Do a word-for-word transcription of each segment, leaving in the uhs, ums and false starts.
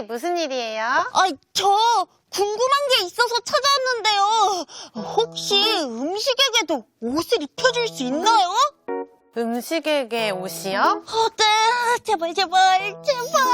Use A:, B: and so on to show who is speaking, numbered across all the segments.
A: 무슨 일이에요?
B: 아, 저 궁금한 게 있어서 찾아왔는데요. 혹시 음식에게도 옷을 입혀줄 수 있나요?
A: 음식에게 옷이요?
B: 어, 네, 제발, 제발, 제발.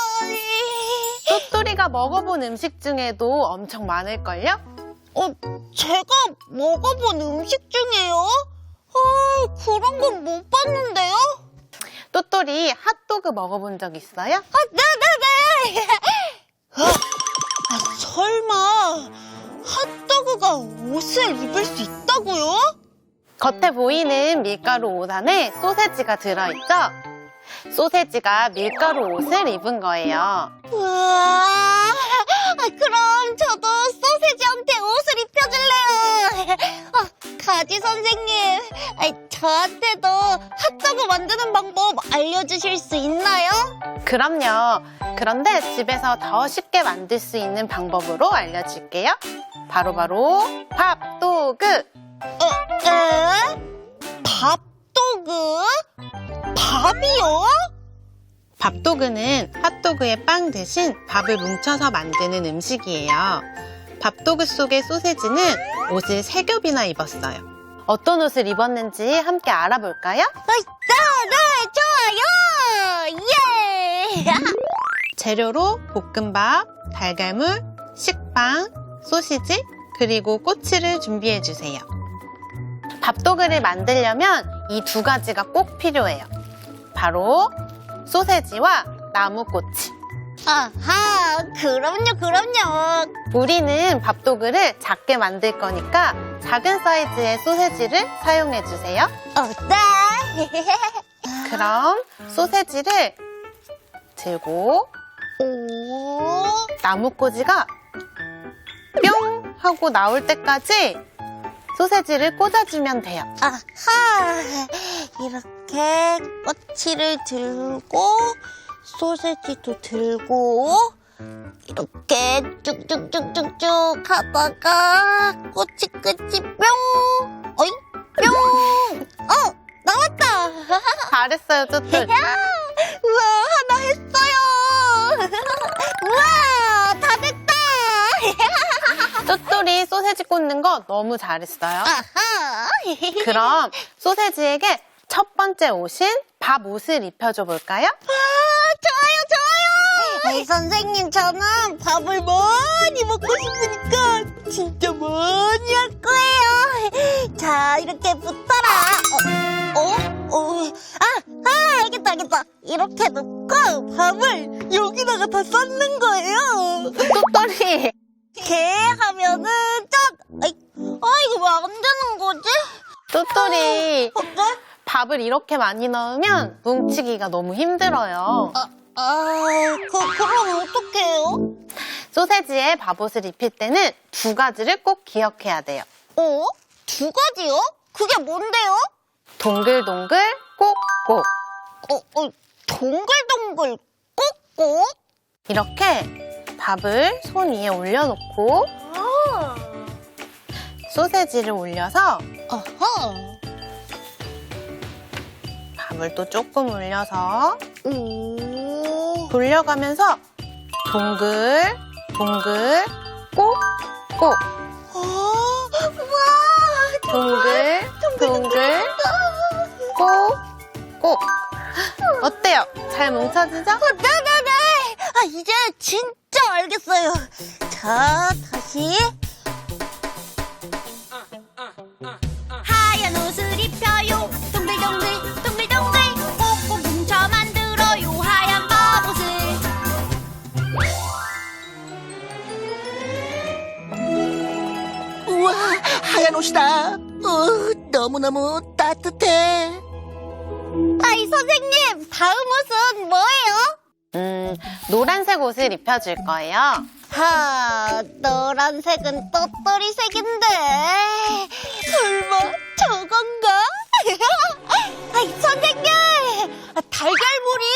A: 또또리가 먹어본 음식 중에도 엄청 많을걸요?
B: 어, 제가 먹어본 음식 중에요? 아, 그런 건 못 봤는데요?
A: 또또리 핫도그 먹어본 적 있어요?
B: 아, 네네네! 아, 설마 핫도그가 옷을 입을 수 있다고요?
A: 겉에 보이는 밀가루 옷 안에 소세지가 들어있죠? 소세지가 밀가루 옷을 입은 거예요.
B: 우와, 아, 그럼 저도 소세지한테 옷을 입혀줄래요. 아, 가지 선생님, 아, 저한테도 핫도그 만드는 방법 알려주실 수 있나요?
A: 그럼요. 그런데 집에서 더 쉽게 만들 수 있는 방법으로 알려줄게요. 바로바로 밥도그!
B: 에? 에? 밥도그? 밥이요?
A: 밥도그는 핫도그의 빵 대신 밥을 뭉쳐서 만드는 음식이에요. 밥도그 속의 소세지는 옷을 세 겹이나 입었어요. 어떤 옷을 입었는지 함께 알아볼까요?
B: 아, 네, 네, 좋아요! 예!
A: 재료로 볶음밥, 달걀물, 식빵, 소시지, 그리고 꼬치를 준비해주세요. 밥도그를 만들려면 이 두 가지가 꼭 필요해요. 바로 소세지와 나무꼬치.
B: 아하, 그럼요, 그럼요.
A: 우리는 밥도그를 작게 만들 거니까 작은 사이즈의 소세지를 사용해주세요.
B: 어, 네.
A: 그럼 소세지를 들고
B: 오,
A: 나무꼬지가 뿅 하고 나올 때까지 소세지를 꽂아주면 돼요.
B: 아하, 이렇게 꼬치를 들고 소세지도 들고 이렇게 쭉쭉쭉쭉쭉 하다가 꼬치 끝이 뿅, 어이, 뿅, 어, 나왔다.
A: 잘했어요, 쪼쪼.
B: 우와, 하나 했어요. 우와, 다 됐다.
A: 쪼쪼리 소세지 꽂는 거 너무 잘했어요.
B: 아하.
A: 그럼 소세지에게 첫 번째 옷인 밥 옷을 입혀줘 볼까요?
B: 좋아요, 좋아요. 에이, 선생님, 저는 밥을 많이 먹고 싶으니까 진짜 많이 할 거예요. 자, 이렇게 붙어라. 어, 어, 어. 아, 아, 알겠다, 알겠다. 이렇게 놓고 밥을 여기다가 다 쌓는 거예요.
A: 쪼쪼리.
B: 이렇게 하면은 짠. 아이, 아, 이거 왜 안 되는 거지?
A: 쪼쪼리.
B: 어때?
A: 밥을 이렇게 많이 넣으면 뭉치기가 너무 힘들어요.
B: 아, 아, 그, 그럼 어떡해요?
A: 소세지에 밥옷을 입힐 때는 두 가지를 꼭 기억해야 돼요.
B: 어? 두 가지요? 그게 뭔데요?
A: 동글동글 꼭꼭.
B: 어, 어, 동글동글 꼭꼭?
A: 이렇게 밥을 손 위에 올려놓고
B: 아.
A: 소세지를 올려서
B: 아하.
A: 밥을 또 조금 올려서
B: 오.
A: 돌려가면서 동글 동글 꼭꼭.
B: 아, 우와.
A: 동글 동글 꼭꼭. 어때요? 잘 뭉쳐지죠?
B: 어, 네네네. 아, 이제 진짜 알겠어요. 자, 다시.
C: 하얀 옷을 입혀요 동글동글 동글동글 꼭꼭 뭉쳐 만들어요 하얀 밥옷을
D: 우와, 하얀 옷이다. 어, 너무너무 따뜻해.
B: 아이, 선생님, 다음 옷은 뭐예요?
A: 음, 노란색 옷을 입혀줄 거예요.
B: 하, 노란색은 똘똘이색인데 설마 저건가? 아이, 선생님, 달걀물이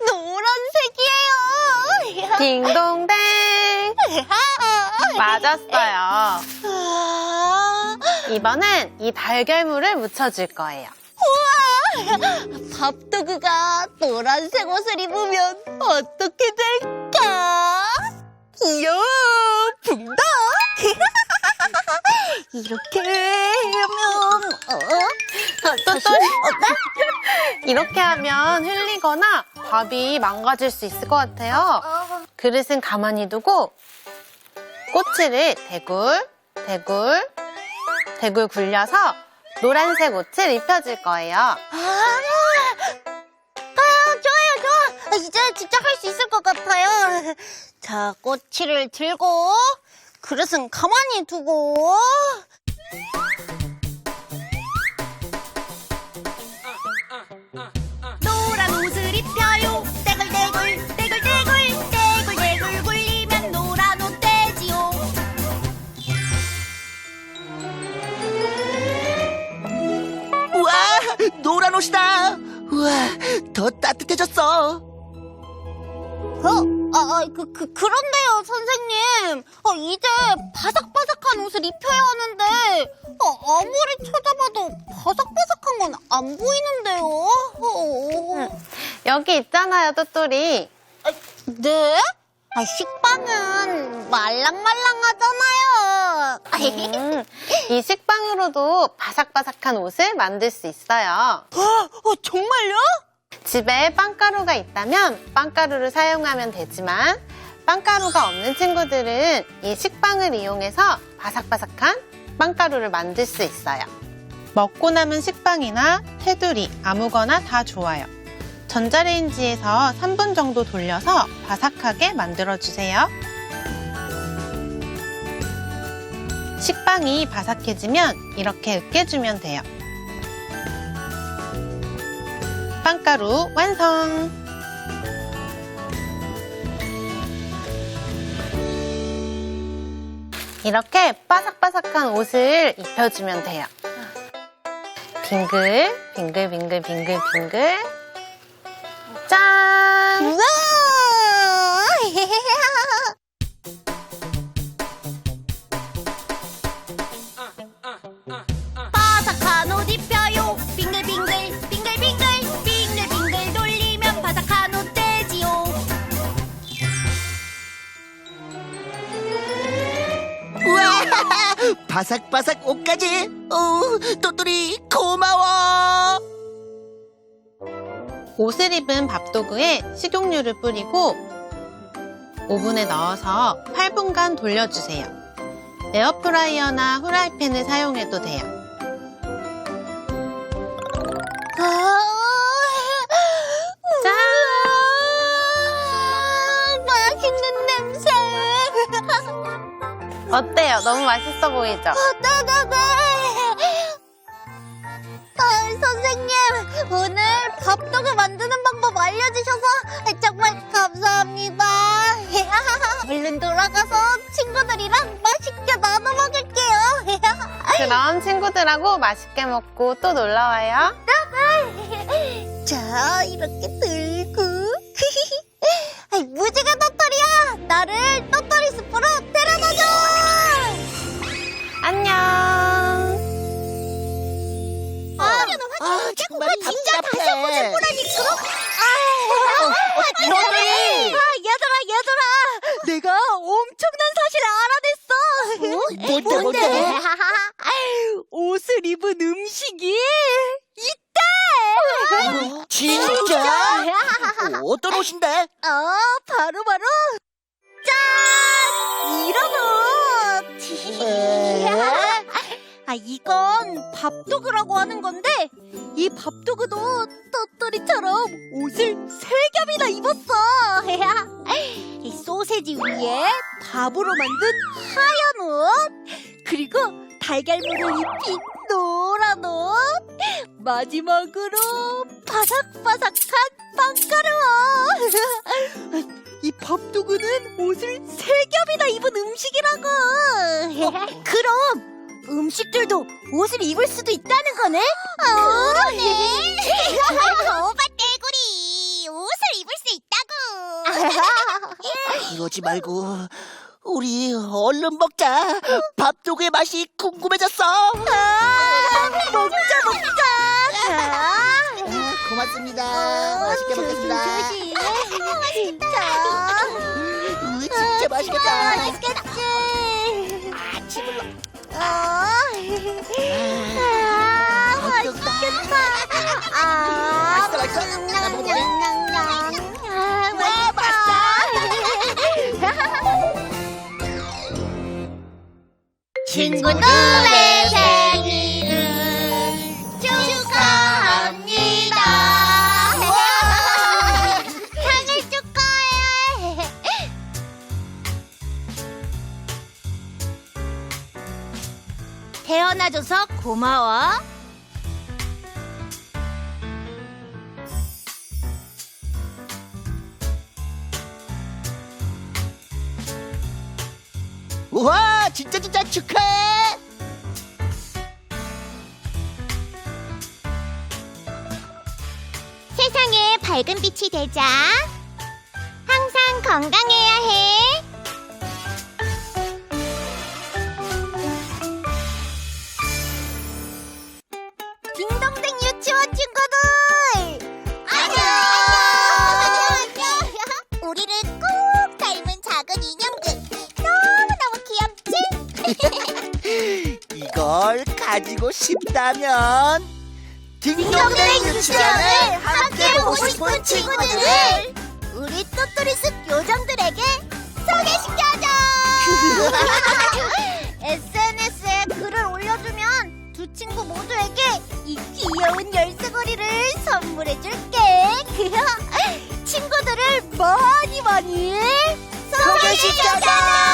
B: 노란색이에요.
A: 딩동댕. 맞았어요.
B: 아,
A: 이번엔 이 달걀물을 묻혀줄 거예요.
B: 우와, 밥도그가 노란색 옷을 입으면 어떻게 될까? 이야, 붕다. 이렇게 하면 어? 어,
A: 또또리. 이렇게 하면 흘리거나 밥이 망가질 수 있을 것 같아요. 그릇은 가만히 두고 꼬치를 대굴, 대굴, 대굴 굴려서 노란색 옷을 입혀줄 거예요.
B: 아, 아, 좋아요, 좋아. 아, 이제 진짜 할 수 있을 것 같아요. 자, 꼬치를 들고, 그릇은 가만히 두고.
C: 노란 옷을 입혀요 떼굴떼굴 떼굴떼굴 떼굴떼굴 굴리면 노란 옷 되지요.
D: 우와, 노란 옷이다. 우와, 더 따뜻해졌어.
B: 어? 아, 아, 그, 그, 그런데요, 선생님. 어, 이제 바삭바삭한 옷을 입혀야 하는데, 어, 아무리 찾아봐도 바삭바삭한 건 안 보이는데요? 어.
A: 여기 있잖아요, 또또리.
B: 아, 네? 아, 식빵은 말랑말랑하잖아요.
A: 음, 이 식빵으로도 바삭바삭한 옷을 만들 수 있어요.
B: 어, 정말요?
A: 집에 빵가루가 있다면 빵가루를 사용하면 되지만 빵가루가 없는 친구들은 이 식빵을 이용해서 바삭바삭한 빵가루를 만들 수 있어요. 먹고 남은 식빵이나 테두리 아무거나 다 좋아요. 전자레인지에서 삼 분 정도 돌려서 바삭하게 만들어주세요. 식빵이 바삭해지면 이렇게 으깨주면 돼요. 빵가루 완성! 이렇게 바삭바삭한 옷을 입혀주면 돼요. 빙글, 빙글, 빙글, 빙글, 빙글. 짠!
B: 우와!
C: 바삭한 옷 입혀요 빙글빙글 빙글빙글 빙글빙글 돌리면 바삭한 옷 되지요.
D: 우와, 바삭바삭 옷까지. 어, 또또리 고마워.
A: 옷을 입은 밥도구에 식용유를 뿌리고 오븐에 넣어서 팔 분간 돌려주세요. 에어프라이어나 후라이팬을 사용해도 돼요.
B: 아,
A: 짠!
B: 맛있는 냄새.
A: 어때요? 너무 맛있어 보이죠?
B: 네네네. 아, 선생님, 오늘 밥도구 만드는 방법 알려주셔서 정말 감사합니다. 얼른 돌아가서 친구들이랑 맛있게 나눠 먹을게요.
A: 그럼 친구들하고 맛있게 먹고 또 놀러와요.
B: 자, 이렇게 들고. 아이, 무지개 똘똘이야, 나를 똘똘이 숲으로 데려다줘.
A: 안녕!
B: 아,
D: 아, 정말 답답해.
B: 또똘이. 아, 얘들아, 얘들아, 내가 엄청난 사실을 알아냈어.
D: 뭔데, 뭔데?
B: 옷을 입은 음식이 있대.
D: 진짜? 어, 어떤 옷인데?
B: 어, 바로 바로 짠! 이런 옷.
D: 에?
B: 아, 이건 밥도구라고 하는 건데 이 밥도구도 똘똘이처럼 옷을 세 겹이나 입었어. 이 소세지 위에 밥으로 만든 하얀 옷, 그리고 달걀물을 입힌 노란 옷, 마지막으로 바삭바삭한 빵가루 옷. 이 밥도구는 옷을 세 겹이나 입은 음식이라고. 그럼 음식들도 옷을 입을 수도 있다는 거네? 그러네.
C: 거봐 떼구리 옷을 입을 수 있다고.
D: 이러지 말고 우리 얼른 먹자. 밥도구의 맛이 궁금해졌어.
B: 아, 먹자 먹자.
D: 아, 고맙습니다. 맛있게 먹겠습니다.
B: 조심 조심. 자.
D: 으, 진짜 맛있어. 맛있겠다.
B: 맛있겠지.
D: 아, 침을 넣.
B: 아, 아, 맛있겠다. 아,
D: 맛있어, 맛있어. 나 먹어볼래?
B: 냥냥냥. 아,
D: 와,
B: 맛있다.
C: 친구들의 생일을 축하합니다.
B: 생일 축하해.
C: 태어나줘서 고마워.
D: 우와, 진짜 진짜 축하해.
B: 세상에 밝은 빛이 되자. 항상 건강해야 해. 딩동댕 유치원 친구들! 안녕! 우리를 꼭 닮은 작은 인형들. 너무너무 귀엽지?
D: 이걸 가지고 싶다면 딩동댕 유치원을 함께 보고 싶은 친구들을
B: 우리 또또리스 요정들에게 소개시켜줘! 에스엔에스에 글을 올려주면 두 친구 모두에게 이 귀여운 열쇠고리를 선물해줄게. 친구들을 많이 많이 소개시켜줘!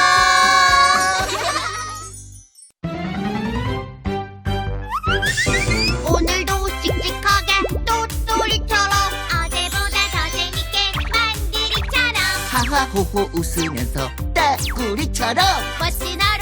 C: 오늘도 씩씩하게 또또리처럼 어제보다 더 재밌게 만들이처럼
D: 하하호호 웃으면서 따구리처럼
C: 멋진 하루